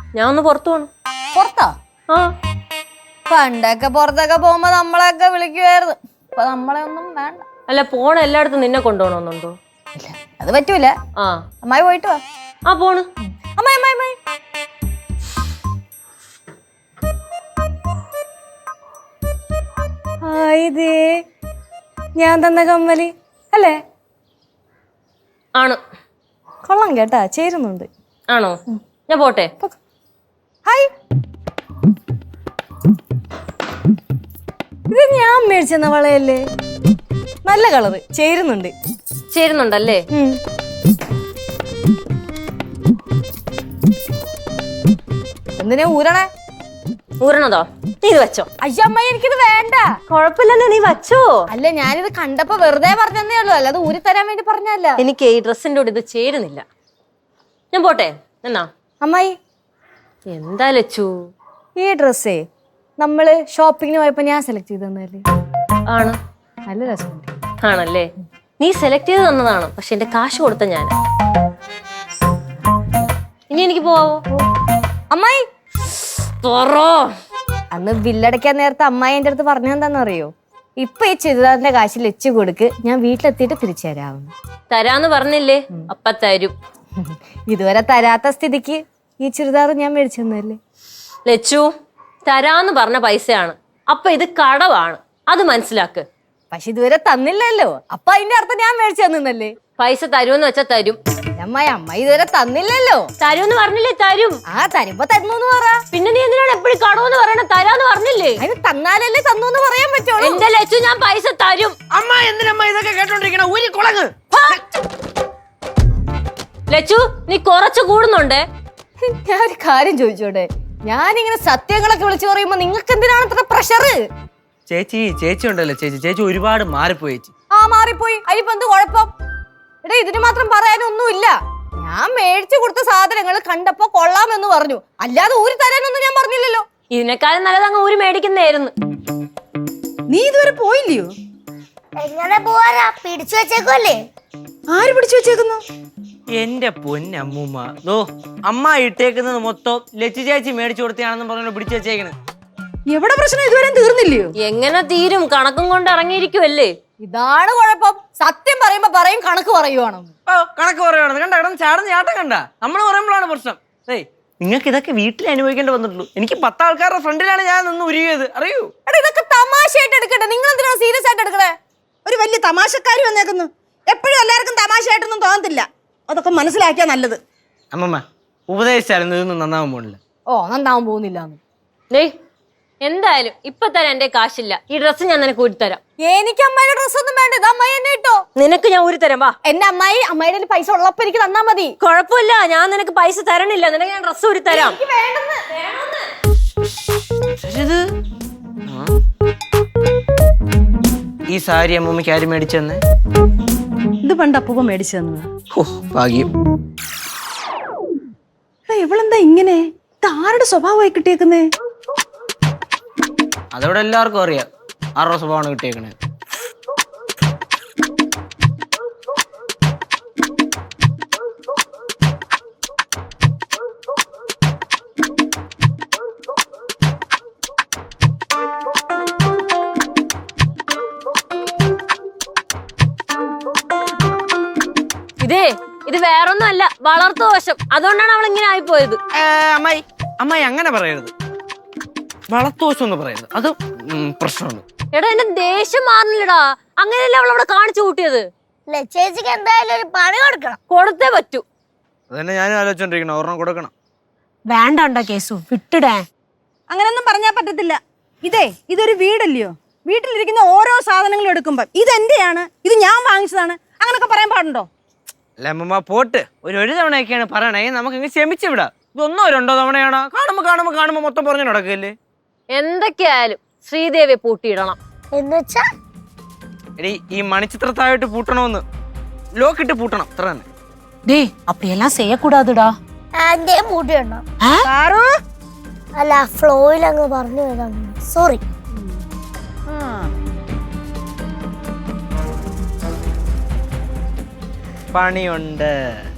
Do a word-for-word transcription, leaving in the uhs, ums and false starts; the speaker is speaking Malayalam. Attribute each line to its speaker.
Speaker 1: ഞാൻ ഒന്ന് പുറത്തു പോണം.
Speaker 2: പുറത്താ?
Speaker 1: ആ,
Speaker 2: പണ്ടൊക്കെ പുറത്തൊക്കെ പോകുമ്പോ നമ്മളെയൊക്കെ വിളിക്കുവായിരുന്നു. ഇപ്പൊ നമ്മളെ ഒന്നും വേണ്ട.
Speaker 1: അല്ല, പോണ എല്ലായിടത്തും നിന്നെ കൊണ്ടുപോകണമെന്നുണ്ടോ?
Speaker 2: അത് പറ്റൂല.
Speaker 1: ആ,
Speaker 2: അമ്മായി പോയിട്ട് വാ.
Speaker 1: ആ പോണ്.
Speaker 2: അമ്മായി അമ്മായി അമ്മായി ഇതേ ഞാൻ തന്ന കമ്മല് അല്ലേ?
Speaker 1: ആണ്.
Speaker 2: കൊള്ളാം കേട്ടാ, ചേരുന്നുണ്ട്.
Speaker 1: ആണോ? ഞാൻ പോട്ടെ.
Speaker 2: ഹായ്, ഇത് ഞാൻ മേടിച്ചെന്ന വളയല്ലേ? നല്ല കളറ്, ചേരുന്നുണ്ട്.
Speaker 1: ചേരുന്നുണ്ടല്ലേ?
Speaker 2: എന്തിനാ ഊരണേ?
Speaker 1: ഊരണതോ? നീ ഇത് വെച്ചോ.
Speaker 2: അയ്യോ അമ്മായി, എനിക്കിത് വേണ്ട.
Speaker 1: കൊഴപ്പില്ലല്ലോ, നീ വച്ചോ.
Speaker 2: അല്ല, ഞാനിത് കണ്ടപ്പോ വെറുതെ പറഞ്ഞതേ ഉള്ളൂ, അല്ലാതെ ഊരി തരാൻ വേണ്ടി പറഞ്ഞല്ല.
Speaker 1: എനിക്ക് ഈ ഡ്രസ്സിന്റെ കൂടെ ഇത് ചേരുന്നില്ല. ഞാൻ പോട്ടെ. എന്നാ
Speaker 2: അമ്മായി,
Speaker 1: എന്താ ലച്ചു?
Speaker 2: ഈ ഡ്രസ്സേ നമ്മള് ഷോപ്പിങ്ങിന് പോയപ്പോ ഞാൻ സെലക്ട് ചെയ്ത് തന്നല്ലേ?
Speaker 1: ആണ്.
Speaker 2: നല്ല രസമുണ്ട്.
Speaker 1: ആണല്ലേ? നീ സെലക്ട് ചെയ്ത് തന്നതാണ്, പക്ഷെ എന്റെ കാശ് കൊടുത്ത ഞാൻ. ഇനി എനിക്ക് പോവാവോ?
Speaker 2: അമ്മായി,
Speaker 1: തുറോ.
Speaker 2: അന്ന് ബില്ലടയ്ക്കാൻ നേരത്തെ അമ്മായി എന്റെ അടുത്ത് പറഞ്ഞു എന്താണെന്നറിയോ? ഇപ്പൊ ഈ ചുരിദാറിന്റെ കാശ് ലച്ചു കൊടുക്ക്, ഞാൻ വീട്ടിലെത്തിയിട്ട് തിരിച്ചു തരാമെന്ന്.
Speaker 1: തരാന്ന് പറഞ്ഞില്ലേ? അപ്പ തരും.
Speaker 2: ഇതുവരെ തരാത്ത സ്ഥിതിക്ക് ഈ ചുരിദാർ ഞാൻ മേടിച്ചു തന്നല്ലേ?
Speaker 1: ലച്ചു, തരാന്ന് പറഞ്ഞ പൈസയാണ്, അപ്പൊ ഇത് കടവാണ്, അത് മനസ്സിലാക്ക്.
Speaker 2: പക്ഷെ ഇതുവരെ തന്നില്ലല്ലോ, അപ്പൊ അതിന്റെ അർത്ഥം ഞാൻ മേടിച്ചു തന്നല്ലേ?
Speaker 1: പൈസ തരുമെന്ന് വെച്ചാ തരും.
Speaker 2: അമ്മായി, അമ്മായി ഇതുവരെ തന്നില്ലല്ലോ.
Speaker 1: തരുമെന്ന് പറഞ്ഞില്ലേ? തരും.
Speaker 2: ആ, തരുമ്പോ തന്നു പറ.
Speaker 1: പിന്നെ നീ എന്തിനാണ് എപ്പോഴും കടവെന്ന് പറയണ? തരാന്ന് പറഞ്ഞില്ലേ?
Speaker 2: അതിന് തന്നാലല്ലേ തന്നു പറയാൻ പറ്റുള്ളൂ.
Speaker 1: എന്റെ ലച്ചു, ഞാൻ പൈസ തരും.
Speaker 3: അമ്മ എന്തിനമ്മ ഇതൊക്കെ കേട്ടോണ്ടിരിക്കണ? ഊരി കുളങ്ങ്.
Speaker 1: ലച്ചു, നീ കുറച്ച് കൂടുന്നുണ്ടേ.
Speaker 2: ഞാൻ ഒരു കാര്യം ചോദിച്ചോട്ടെ? ഞാനിങ്ങനെ സത്യങ്ങളൊക്കെ വിളിച്ചു പറയുമ്പോ നിങ്ങൾക്ക് എന്തിനാണ് ഇത്ര പ്രഷർ?
Speaker 3: ചേച്ചി ചേച്ചി ഉണ്ടല്ലോ ചേച്ചി ചേച്ചി ഒരുപാട് മാറിപ്പോയി ചേച്ചി.
Speaker 2: ആ, മാറിപ്പോയി. അതിനിപ്പോ എന്ത് കുഴപ്പം? എടാ, ഇതിന് മാത്രം പറയാനൊന്നുമില്ല. ഞാൻ മേടിച്ചു കൊടുത്ത സാധനങ്ങൾ കണ്ടപ്പോ കൊള്ളാമെന്ന് പറഞ്ഞു, അല്ലാതെ ഊരി തരാനൊന്നും ഞാൻ പറഞ്ഞില്ലല്ലോ.
Speaker 1: ഇതിനേക്കാളും നല്ലത് അങ്ങ് ഊരി മേടിക്കുന്നതായിരുന്നു.
Speaker 4: നീ ഇതുവരെ പോയില്ലയോ?
Speaker 5: എങ്ങനെ പോവാനാ? പിടിച്ചു വെച്ചേക്കല്ലേ?
Speaker 4: ആര് പിടിച്ചു വെച്ചേക്കുന്നു?
Speaker 3: എന്റെ പൊന്നമ്മൂമ്മ, ദോ അമ്മ ഇട്ടേക്കുന്നത് മൊത്തം ലച്ചു ചേച്ചി മേടിച്ചു കൊടുത്തയാണെന്ന് പറഞ്ഞു പിടിച്ചു വെച്ചേക്കണ്.
Speaker 4: എവിടെ പ്രശ്നം ഇതുവരെ തീർന്നില്ലയോ?
Speaker 1: എങ്ങനെ തീരും? കണക്കും കൊണ്ട് ഇറങ്ങിയിരിക്കുവല്ലേ.
Speaker 2: ഇതാണ് കുഴപ്പം. സത്യം പറയുമ്പോ പറയും കണക്ക് പറയുവാണ്.
Speaker 3: ഓ, കണക്ക് പറയുവാണെന്ന് കണ്ട കിടന്ന് ചാടുന്ന ചാട്ടം കണ്ട. നമ്മൾ പറയുമ്പോഴാണ് പ്രശ്നം. ഏയ്, നിങ്ങൾക്ക് ഇതൊക്കെ വീട്ടിൽ അനുഭവിക്കേണ്ടി വന്നിട്ടുള്ളൂ. എനിക്ക് പത്താൾക്കാരുടെ ഫ്രണ്ടിലാണ് ഞാൻ നിന്ന് ഉരുകിയത്, അറിയൂ?
Speaker 2: എടാ, ഇതൊക്കെ തമാശയായിട്ട് എടുക്കട്ടെ, നിങ്ങൾ എന്തിനാണ് സീരിയസ് ആയിട്ട് എടുക്കണേ?
Speaker 4: ഒരു വലിയ തമാശക്കാരി വന്നേക്കുന്നു. എപ്പോഴും എല്ലാവർക്കും തമാശയായിട്ടൊന്നും തോന്നത്തില്ല, അതൊക്കെ മനസ്സിലാക്കിയാ നല്ലത്.
Speaker 3: അമ്മമ്മ ഉപദേശിച്ചാലും ഇതൊന്നും നന്നാവാൻ പോണില്ല.
Speaker 2: ഓ, നന്നാവാൻ പോകുന്നില്ല.
Speaker 1: ഡേയ്, എന്തായാലും ഇപ്പൊ തരാൻ എന്റെ കാശില്ല. ഈ ഡ്രസ്സ് ഞാൻ നിനക്ക് ഊരി തരാം.
Speaker 2: എനിക്ക് അമ്മയുടെ ഡ്രസ് ഒന്നും വേണ്ട, ഇത് അമ്മായി എന്നെ ഇട്ടോ.
Speaker 1: നിനക്ക് ഞാൻ ഊരി തരാം. വാ.
Speaker 2: എന്റെ അമ്മായി, അമ്മായിയുടെ പൈസ ഉള്ളപ്പോ എനിക്ക് തന്നാ മതി.
Speaker 1: കുഴപ്പമില്ല, ഞാൻ നിനക്ക് പൈസ തരണില്ല. നിനക്ക് ഞാൻ ഡ്രസ്സ് ഊരി തരാം.
Speaker 3: ഈ സാരി അമ്മൂമ്മക്ക് ആര് മേടിച്ചെന്ന്?
Speaker 4: ഇത് പണ്ട് അപ്പൂപ്പ മേടിച്ചു തന്നത്.
Speaker 3: ഓ, ഭാഗ്യം.
Speaker 4: ഇവളെന്താ ഇങ്ങനെ? ഇത് ആരുടെ സ്വഭാവമായി കിട്ടിയേക്കുന്നേ?
Speaker 3: അതോടെ എല്ലാവർക്കും അറിയാം ആരുടെ സ്വഭാവമാണ് കിട്ടിയേക്കണേ.
Speaker 1: ഇതേ, ഇത് വേറൊന്നും അല്ല, വളർത്തു ദോഷം. അതുകൊണ്ടാണ് അവൾ ഇങ്ങനെ ആയിപ്പോയത്.
Speaker 3: അമ്മായി അമ്മായി അങ്ങനെ പറയരുത്. വളത്തോശം എന്ന് പറയരുത്, അത് പ്രശ്നമാണ്.
Speaker 1: എടാ, എന്റെ ദേഷ്യം മാറുന്നില്ലടാ. അങ്ങനെയല്ല അവൾ അവിടെ കാണിച്ചു കൂട്ടിയത്.
Speaker 5: ചേച്ചിക്ക് എന്തായാലും ഒരു പണി കൊടുക്കണം.
Speaker 1: കൊടുത്തേ പറ്റൂ.
Speaker 3: അതന്നെ ഞാനും ആലോചിച്ചോണ്ടിരിക്കണം, ഒരെണ്ണം കൊടുക്കണം.
Speaker 1: വേണ്ട കേസു, വിട്ടിടേ.
Speaker 4: അങ്ങനൊന്നും പറഞ്ഞാൽ പറ്റത്തില്ല. ഇതേ, ഇതൊരു വീടല്ലയോ? വീട്ടിലിരിക്കുന്ന ഓരോ സാധനങ്ങളും എടുക്കുമ്പോ ഇതെന്റെയാണ്, ഇത് ഞാൻ വാങ്ങിച്ചതാണ്, അങ്ങനൊക്കെ പറയാൻ പാടുണ്ടോ?
Speaker 3: അല്ല അമ്മമ്മ, പോട്ട് ഒരു ഒരു തവണയൊക്കെയാണ് പറയണേ, നമുക്ക് ഇങ്ങനെ ക്ഷമിച്ചു വിടാം. ഇതൊന്നോ രണ്ടോ തവണയാണോ? കാണുമ്പോ കാണുമ്പോ കാണുമ്പോ മൊത്തം പറഞ്ഞു നടക്കല്ലേ?
Speaker 1: എന്തൊക്കെയായാലും ശ്രീദേവിയെ പൂട്ടിയിടണം.
Speaker 5: എന്നുവെച്ചാ
Speaker 3: എടി, ഈ മണിച്ചിത്രത്തായിട്ട് പൂട്ടണമെന്ന് ലോക്കിട്ട് പൂട്ടണം, അത്ര തന്നെ.
Speaker 1: ഡേ, അപ്പടിയെല്ലാം ചെയ്യക്കൂടാതുടാ.
Speaker 5: ആന്റെ മൂട്ടിയുണ്ടോ? അല്ല, ഫ്ലോയിൽ അങ്ങ് പറഞ്ഞു പോയതാണ്, സോറി.
Speaker 3: പണിയുണ്ട്.